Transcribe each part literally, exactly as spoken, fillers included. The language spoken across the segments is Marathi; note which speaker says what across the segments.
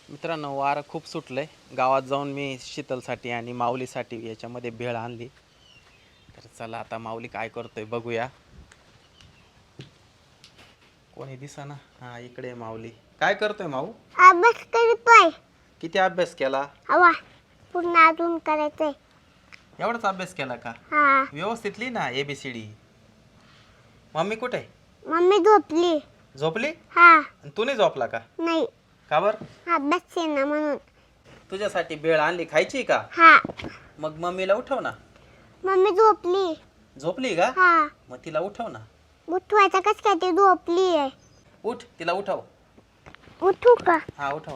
Speaker 1: मित्रांनो वारं खूप सुटलंय. गावात जाऊन मी शीतलसाठी आणि माऊलीसाठी याच्यामध्ये भेळ आणली. तर चला आता माऊली काय करतोय बघूया. कोणी दिसेना. हा इकडे माऊली. काय करतोय माऊ?
Speaker 2: अभ्यास करतोय.
Speaker 1: किती अभ्यास केला?
Speaker 2: हवा पूर्ण अजून करायचंय.
Speaker 1: एवढाच अभ्यास केला का?
Speaker 2: हा.
Speaker 1: व्यवस्थित लिही ना एबीसीडी. मम्मी कुठे?
Speaker 2: मम्मी झोपली.
Speaker 1: झोपली?
Speaker 2: हा.
Speaker 1: आणि तू नाही झोपला का?
Speaker 2: नाही.
Speaker 1: का बर?
Speaker 2: अभ्यास आहे ना म्हणून.
Speaker 1: तुझ्यासाठी भेळ आणली, खायची का?
Speaker 2: हा.
Speaker 1: मग मम्मीला उठव ना.
Speaker 2: मम्मी झोपली.
Speaker 1: झोपली का?
Speaker 2: हा.
Speaker 1: मग तिला उठव ना.
Speaker 2: उठवायचं कस काय, ती झोपली आहे.
Speaker 1: उठ, तिला उठव.
Speaker 2: उठू का?
Speaker 1: हा उठव.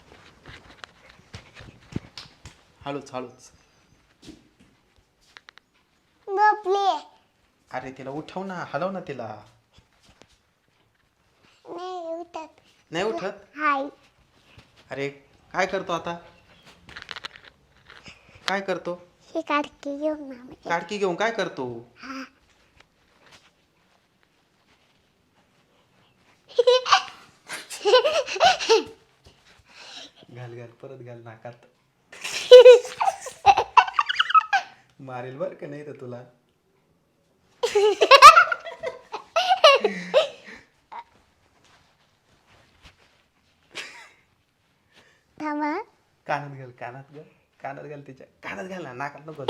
Speaker 1: हळूच हळूच.
Speaker 2: झोपली.
Speaker 1: अरे तिला उठव ना, हलव ना तिला.
Speaker 2: नाही उठत.
Speaker 1: नाही उठत?
Speaker 2: हाय.
Speaker 1: अरे काय करतो आता? काय करतो?
Speaker 2: ही काढकी घेऊन मामा.
Speaker 1: काडकी घेऊन काय करतो?
Speaker 2: हा.
Speaker 1: घाल घाल परत घाल नाकात. मारेल बर का नाही तर तुला.
Speaker 2: थांबा.
Speaker 1: कानात घाल कानात घाल कानात घाल तिच्या कानात घाल ना, नाकात नको.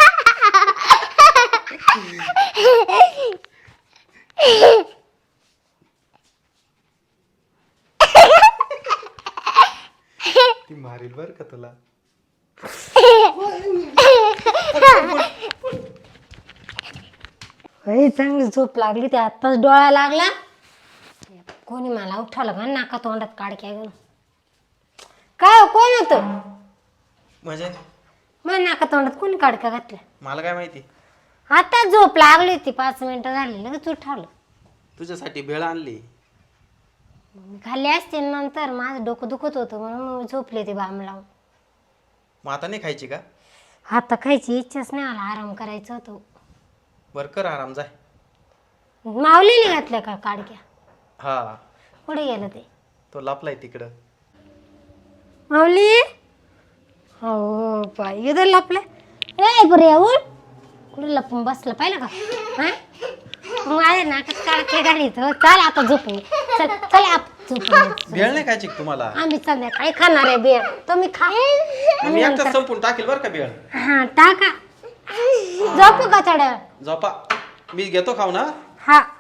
Speaker 1: ती मारेल बर का तुला.
Speaker 3: चांगली झोप लागली, ते आत्ताच डोळा लागला. कोणी मला उठवलं का नाका तोंडात काडक्या घेऊन. काय हो, कोण होतं?
Speaker 1: म्हणजे
Speaker 3: मग नाका तोंडात कोणी काडक्या घातल्या?
Speaker 1: मला काय माहिती.
Speaker 3: आता झोप लागली होती, पाच मिनिटं झाली लगेच उठवलं.
Speaker 1: तुझ्यासाठी भेळ आणली.
Speaker 3: मी खाल्ली असते नंतर, माझं डोकं दुखत होतं म्हणून झोपले ते बाम लावून.
Speaker 1: मग आता नाही खायची का?
Speaker 3: आता खायची इच्छाच नाही, मला आराम करायचं होतं.
Speaker 1: बर कर आराम, जाय.
Speaker 3: माऊलीने घातल्या का काडक्या?
Speaker 1: हा
Speaker 3: कुठे गेलं ते?
Speaker 1: तो लपलाय तिकडं.
Speaker 3: माऊली हो पाय इथं लपलं. ए बरे उठ, कुठे लपून बसलं पाहिलं का? हा माझ्या नाकात काडके घालीत. चाल आता झोपून. चल चल आप झोपून.
Speaker 1: भेळ नाही खायची का तुम्हाला?
Speaker 3: आम्ही संध्याकाळी खाणार आहे बेळ, तुम्ही खा.
Speaker 1: मी एकटाच संपून टाकेल बर का भेळ.
Speaker 3: हा टाका. झोपू का थोड्या?
Speaker 1: झोपा, मी घेतो खाऊ ना.
Speaker 3: हा.